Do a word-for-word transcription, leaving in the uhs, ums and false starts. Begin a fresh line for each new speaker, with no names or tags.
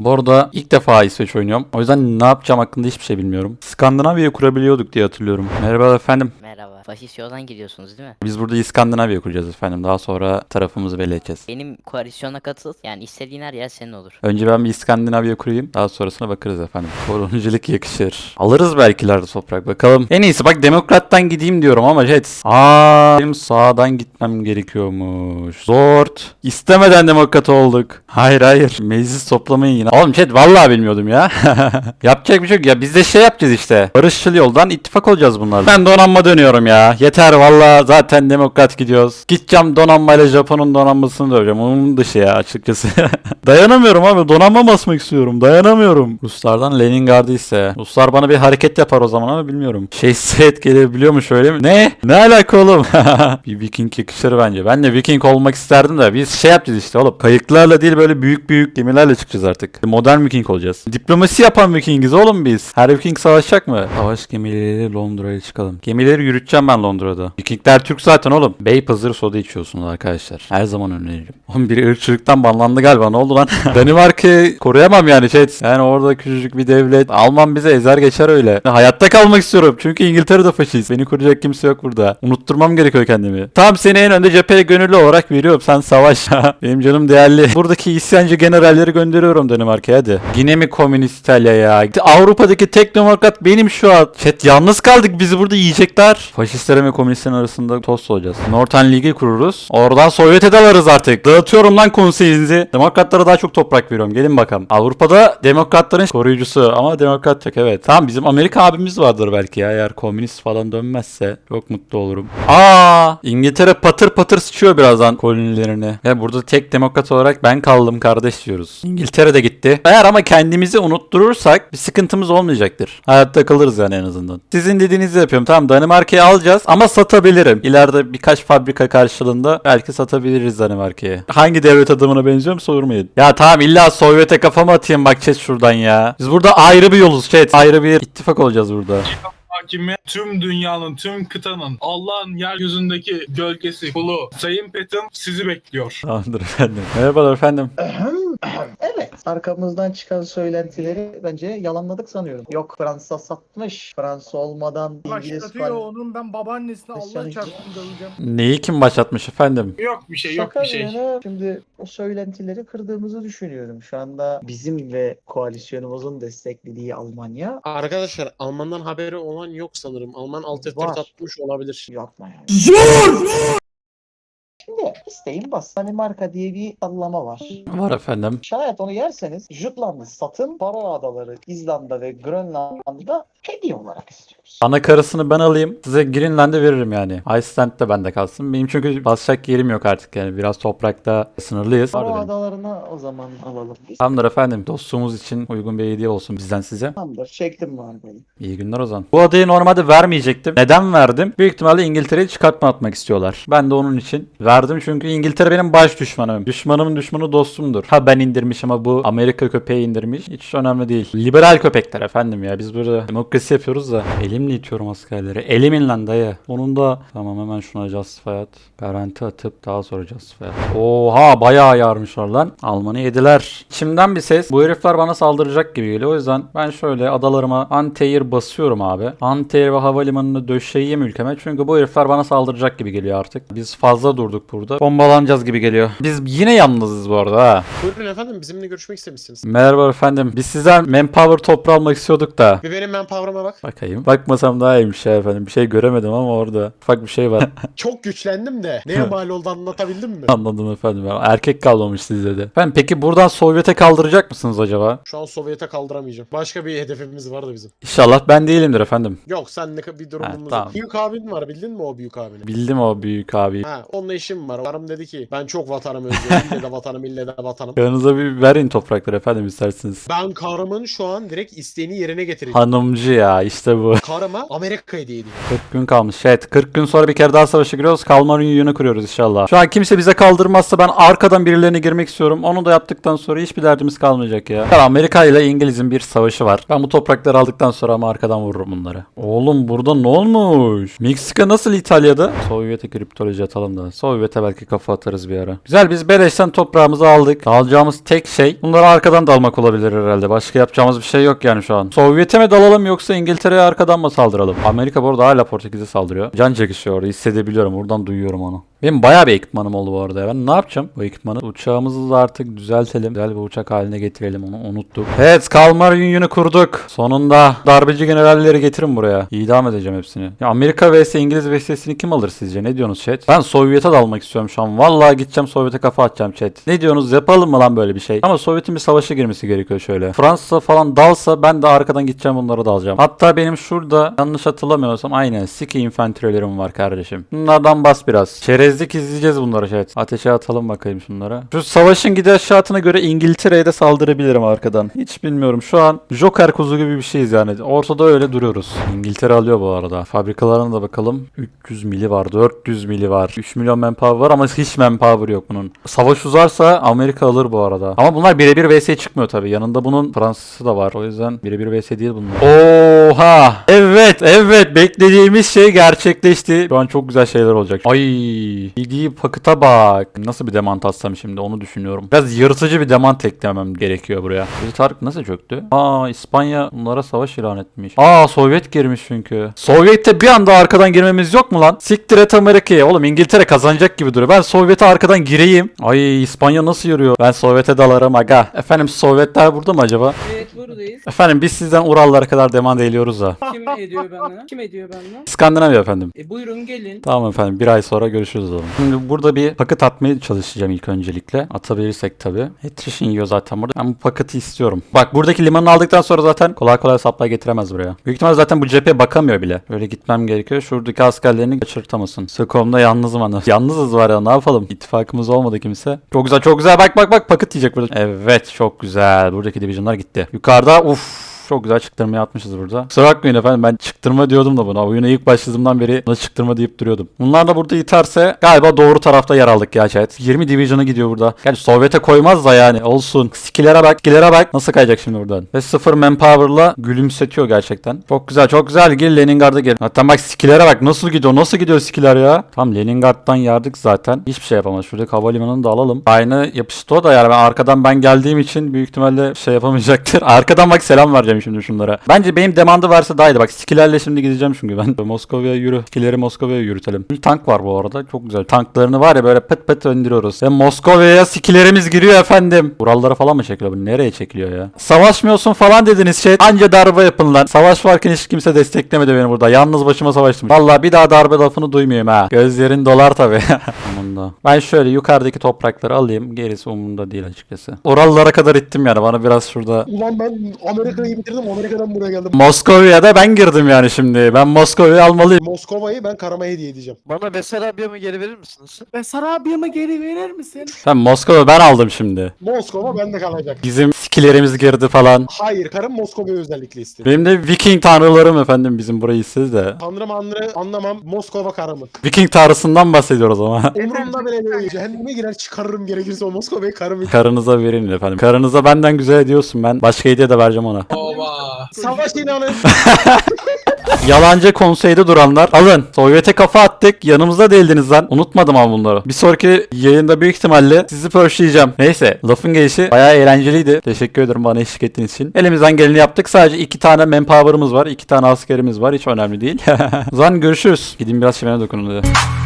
Bu arada ilk defa İsveç oynuyorum. O yüzden ne yapacağım hakkında hiçbir şey bilmiyorum. Skandinavya'yı kurabiliyorduk diye hatırlıyorum. Merhaba efendim.
Merhaba. Faşist yoldan gidiyorsunuz değil mi?
Biz burada İskandinavya kuracağız efendim. Daha sonra tarafımızı belli edeceğiz.
Benim koalisyona katıl. Yani istediğin her yer senin olur.
Önce ben bir İskandinavya kurayım. Daha sonrasına bakarız efendim. Kolonicilik yakışır. Alırız belki ileride toprak. Bakalım. En iyisi bak demokrattan gideyim diyorum ama jet. Aa, benim sağdan gitmem gerekiyormuş. Zort. İstemeden demokrat olduk. Hayır hayır. Meclis toplamayın yine. Oğlum chat vallahi bilmiyordum ya. Yapacak bir şey yok ya. Biz de şey yapacağız işte. Barışçıl yoldan ittifak olacağız bunlarla. Ben donanma dönüyorum ya. Yeter vallahi zaten demokrat gidiyoruz. Gideceğim donanmayla Japon'un donanmasını döveceğim. Onun dışı ya açıkçası. Dayanamıyorum abi. Donanma basmak istiyorum. Dayanamıyorum. Ruslardan Leningrad'ı ise. Ruslar bana bir hareket yapar o zaman ama bilmiyorum. Şey set gelebiliyor mu şöyle mi? Ne? Ne alaka oğlum? Bir Viking yakışır bence. Ben de Viking olmak isterdim de biz şey yapacağız işte oğlum. Kayıklarla değil böyle büyük büyük gemilerle çıkacağız artık. Modern Viking olacağız. Diplomasi yapan Vikingiz oğlum biz. Her Viking savaşacak mı? Savaş gemileriyle Londra'ya çıkalım. Gemileri yürüteceğim ben Londra'da. Vikingler Türk zaten oğlum. Beypazarı soda içiyorsunuz arkadaşlar. Her zaman öneririm. Oğlum biri ırkçılıktan banlandı galiba. Ne oldu lan? Danimarka'yı koruyamam yani şey. Yani orada küçücük bir devlet. Alman bize ezer geçer öyle. Hayatta kalmak istiyorum. Çünkü İngiltere'de faşist. Beni koruyacak kimse yok burada. Unutturmam gerekiyor kendimi. Tamam seni en önde cepheye gönüllü olarak veriyorum. Sen savaş. Benim canım değerli. Buradaki isyancı generalleri gönderiyorum Danimarka'ya hadi. Yine mi komünist İtalya ya? Avrupa'daki tek demokrat benim şu an. Chat yalnız kaldık. Bizi burada yiyecekler. Faşistlerin ve komünistlerin arasında tost olacağız. Northern Ligi kururuz. Oradan Sovyet'e dalarız artık. Dağıtıyorum lan konseyinizi. Demokratlara daha çok toprak veriyorum. Gelin bakalım. Avrupa'da demokratların koruyucusu ama demokrat yok evet. Tamam bizim Amerika abimiz vardır belki ya. Eğer komünist falan dönmezse çok mutlu olurum. Aa, İngiltere patır patır sıçıyor birazdan kolonilerini. Ve burada tek demokrat olarak ben kaldım kardeş diyoruz. İngiltere de gitti. Eğer ama kendimizi unutturursak bir sıkıntımız olmayacaktır. Hayatta kalırız yani en azından. Sizin dediğinizi yapıyorum. Tamam Danimarka'yı alacağız ama satabilirim. İleride birkaç fabrika karşılığında belki satabiliriz Danimarka'yı. Hangi devlet adamına benziyorum sormayın. Ya tamam illa Sovyet'e kafamı atayım bak chat şuradan ya. Biz burada ayrı bir yoluz chat. Ayrı bir ittifak olacağız burada.
Hakimi tüm dünyanın, tüm kıtanın, Allah'ın yeryüzündeki gölgesi, kulu, Sayın Petim sizi bekliyor.
Tamamdır efendim. Merhabalar efendim.
Evet. Arkamızdan çıkan söylentileri bence yalanladık sanıyorum. Yok Fransa satmış. Fransa olmadan İngiliz
Başlatıyor
falan.
onun ben babaannesine Allah
Hristiyan-
çarpsın döveceğim.
Neyi kim başlatmış efendim?
Yok bir şey, yok
Şaka
bir şey.
bir yana şimdi o söylentileri kırdığımızı düşünüyorum. Şu anda bizim ve koalisyonumuzun desteklediği Almanya
Arkadaşlar Alman'dan haberi olan yok sanırım. Alman alt F
Var.
dört atmış olabilir.
yapma yani. Zor! Şimdi isteyin bas. Danimarka diye bir sallama var.
Var efendim.
Şayet onu yerseniz Jutland'ı satın, Faroe Adaları, İzlanda ve Grönland'da hediye olarak istiyoruz.
Ana karısını ben alayım. Size Greenland'e veririm yani. Iceland de bende kalsın. Benim çünkü basacak yerim yok artık yani. Biraz toprakta sınırlıyız.
Faroe
Vardı benim.
Adalarına o zaman alalım biz.
Tamamdır efendim. Dostluğumuz için uygun bir hediye olsun bizden size.
Tamamdır. Çektim var benim.
İyi günler o zaman. Bu adayı normalde vermeyecektim. Neden verdim? Büyük ihtimalle İngiltere'yi çıkartma atmak istiyorlar. Ben de onun için verdim çünkü İngiltere benim baş düşmanım. Düşmanımın düşmanı dostumdur. Ha ben indirmiş ama bu Amerika köpeği indirmiş. Hiç önemli değil. Liberal köpekler efendim ya. Biz burada demokrasi yapıyoruz da. Elimle itiyorum askerleri. Elimin lan dayı. Onun da tamam hemen şuna justify at. Garanti atıp daha sonra justify at. Oha bayağı yarmışlar lan. Almanı yediler. İçimden bir ses. Bu herifler bana saldıracak gibi geliyor. O yüzden ben şöyle adalarıma anti-air basıyorum abi. Anti-air ve havalimanını döşeyeyim ülkeme. Çünkü bu herifler bana saldıracak gibi geliyor artık. Biz fazla durduk burada. Bombalanacağız gibi geliyor. Biz yine yalnızız bu arada ha.
Buyurun efendim bizimle görüşmek istemişsiniz.
Merhaba efendim. Biz sizden manpower toprağı almak istiyorduk da.
Bir benim manpower'ıma bak.
Bakayım. Bakmasam daha iyiymiş ya efendim. Bir şey göremedim ama orada ufak bir şey var.
Çok güçlendim de neye mal oldu anlatabildim mi?
Anladım efendim. Erkek kalmamış sizde de. Efendim peki buradan Sovyet'e kaldıracak mısınız acaba?
Şu an Sovyet'e kaldıramayacağım. Başka bir hedefimiz vardı bizim.
İnşallah ben değilimdir efendim.
Yok sen ne bir durumumuz
Ha,
yok.
tamam.
Büyük abin var bildin mi o büyük abini?
Bildim o büyük abi.
Ha onunla işim var. Karım dedi ki ben çok vatanımı özlüyorum. İlle de vatanım ille de vatanım.
Yanınıza bir verin toprakları efendim isterseniz.
Ben karımın şu an direkt isteğini yerine getireceğim.
Hanımcı ya işte bu.
Karıma Amerika hediye ediyor.
kırk gün kalmış. Evet kırk gün sonra bir kere daha savaşa giriyoruz. Kalmar Union'u kuruyoruz inşallah. Şu an kimse bize kaldırmazsa ben arkadan birilerine girmek istiyorum. Onu da yaptıktan sonra hiçbir derdimiz kalmayacak ya. Amerika ile İngiliz'in bir savaşı var. Ben bu toprakları aldıktan sonra ama arkadan vururum bunları. Oğlum burada ne olmuş? Meksika nasıl İtalya'da? Sovyet'e kriptoloji atalım da. Sovyet'e belki Belki kafa atarız bir ara. Güzel, biz beleşten toprağımızı aldık. Alacağımız tek şey bunları arkadan dalmak olabilir herhalde. Başka yapacağımız bir şey yok yani şu an. Sovyet'e mi dalalım yoksa İngiltere'ye arkadan mı saldıralım? Amerika bu arada hala Portekiz'e saldırıyor. Can çekişiyor orada, hissedebiliyorum. Buradan duyuyorum onu. Benim bayağı bir ekipmanım oldu bu arada ya. Ben ne yapacağım bu ekipmanı? Uçağımızı da artık düzeltelim. Güzel bir uçak haline getirelim, onu unuttuk. Evet, Kalmar Union'u kurduk. Sonunda darbeci generalleri getirin buraya. İdam edeceğim hepsini. Ya Amerika vs İngiliz vs'sini kim alır sizce? Ne diyorsunuz chat? Ben Sovyet'e dalmak istiyorum şu an. Vallahi gideceğim Sovyet'e kafa atacağım chat. Ne diyorsunuz? Yapalım mı lan böyle bir şey? Ama Sovyet'in bir savaşa girmesi gerekiyor şöyle. Fransa falan dalsa ben de arkadan gideceğim, bunları da alacağım. Hatta benim şurada yanlış hatırlamıyorsam aynen Siki infanterilerim var kardeşim. Bunlardan bas biraz. Çerezlik izleyeceğiz bunları chat. Ateşe atalım bakayım şunlara. Şu savaşın gidişatına göre İngiltere'ye de saldırabilirim arkadan. Hiç bilmiyorum. Şu an Joker kuzu gibi bir şeyiz yani. Ortada öyle duruyoruz. İngiltere alıyor bu arada. Fabrikalarına da bakalım. üç yüz mili var. dört yüz mili var. üç milyon manpower var ama hiç manpower yok bunun. Savaş uzarsa Amerika alır bu arada. Ama bunlar birebir vs çıkmıyor tabii. Yanında bunun Fransızı da var. O yüzden birebir vs değil bunlar. Oha! Evet, evet. Beklediğimiz şey gerçekleşti. Şu an çok güzel şeyler olacak. Ay, bildiği pakıta bak. Nasıl bir demant atsam şimdi, onu düşünüyorum. Biraz yırtıcı bir demant eklemem gerekiyor buraya. Bir Tarık nasıl çöktü? Aa, İspanya bunlara savaş ilan etmiş. Aa, Sovyet girmiş çünkü. Sovyet'te bir anda arkadan girmemiz yok mu lan? Siktir et Amerika'ya. Oğlum İngiltere kazanacak gibi duruyor. Ben Sovyet'e arkadan gireyim. Ay, İspanya nasıl yürüyor? Ben Sovyet'e dalarım aga. Efendim, Sovyetler burada mı acaba?
Evet, buradayız.
Efendim, biz sizden Urallara kadar demand ediyoruz da.
Kim ediyor bana? Kim ediyor bana?
İskandinavya efendim.
E buyurun gelin.
Tamam efendim, bir ay sonra görüşürüz o zaman. Şimdi burada bir paket atmaya çalışacağım ilk öncelikle. Atabilirsek tabii. Attrition yiyor zaten burada. Ben bu paketi istiyorum. Bak, buradaki limanı aldıktan sonra zaten kolay kolay supply getiremez buraya. Büyük ihtimal zaten bu cepheye bakamıyor bile. Böyle gitmem gerekiyor. Şuradaki askerlerini kaçırtamasın. Stockholm'da yalnızım anı. Yalnızız var ya, ne yapalım? İttifakımız olmadı kimse. Çok güzel, çok güzel. Bak bak bak, paket yiyecek burada. Evet, çok güzel. Buradaki divisionlar gitti. Yukarıda uff. Çok güzel çıktırmaya atmışız burada. Kusura bakmayın efendim, ben çıktırma diyordum da buna. Oyuna ilk başladığımdan beri buna çıktırma deyip duruyordum. Bunlar da burada iterse galiba doğru tarafta yer aldık ya chat. yirmi division'a gidiyor burada. Gerçi Sovyet'e koymaz da yani, olsun. Skill'lere bak, skill'lere bak. Nasıl kayacak şimdi buradan? Ve sıfır manpower'la gülümsetiyor gerçekten. Çok güzel, çok güzel. Gel Leningrad'a gel. Hatta bak, skill'lere bak. Nasıl gidiyor? Nasıl gidiyor skill'ler ya? Tam Leningrad'dan yardık zaten. Hiçbir şey yapamaz. Şuradaki havalimanını da alalım. Aynı yapıştı o da yani. Ben arkadan ben geldiğim için büyük ihtimalle şey yapamayacaktır. Arkadan bak, selam vereceğim şimdi şunlara. Bence benim demandı varsa daha iyiydi. Bak, skillerle şimdi gideceğim çünkü ben. Moskova'ya yürü. Skilleri Moskova'ya yürütelim. Bir tank var bu arada. Çok güzel. Tanklarını var ya böyle pıt pıt öndürüyoruz. Ve Moskova'ya skillerimiz giriyor efendim. Buralara falan mı çekiliyor bu? Nereye çekiliyor ya? Savaşmıyorsun falan dediniz şey. Anca darbe yapın lan. Savaş varken hiç kimse desteklemedi beni burada. Yalnız başıma savaştım. Vallahi bir daha darbe lafını duymuyorum ha. Gözlerin dolar tabii. Umurumda. Ben şöyle yukarıdaki toprakları alayım. Gerisi umurumda değil açıkçası. Oralara kadar ittim yani. Bana biraz şurada.
Ulan ben Amerika'yı bitirdim. Amerika'dan buraya geldim.
Moskova'ya da ben girdim yani şimdi. Ben Moskova'yı almalıyım.
Moskova'yı ben karıma hediye edeceğim.
Bana Besarabya'mı geri verir misiniz?
Ve Sarabya'mı geri verir misin?
Ben Moskova ben aldım şimdi.
Moskova bende kalacak.
Bizim skillerimiz girdi falan.
Hayır, karım Moskova'yı özellikle istiyor.
Benim de Viking tanrılarım efendim bizim burayı istedi de.
Tanrı manrı anlamam, Moskova karımı.
Viking tanrısından bahsediyoruz ama.
Umurumda bile değil. Cehenneme girer çıkarırım gerekirse o Moskova'yı karımı.
Karınıza verin efendim. Karınıza benden güzel ediyorsun, ben başka hediye de vereceğim ona.
Oba.
Savaş inanın.
Yalancı konseyde duranlar alın. Sovyet'e kafa attık. Yanımızda değildiniz lan. Unutmadım ama bunları. Bir sonraki yayında büyük ihtimalle sizi pörşleyeceğim. Neyse, lafın gelişi bayağı eğlenceliydi. Teşekkür ederim bana eşlik ettiğiniz için. Elimizden geleni yaptık. Sadece iki tane manpower'ımız var. iki tane askerimiz var. Hiç önemli değil. O zaman görüşürüz. Gidin biraz şeyine dokunun hadi.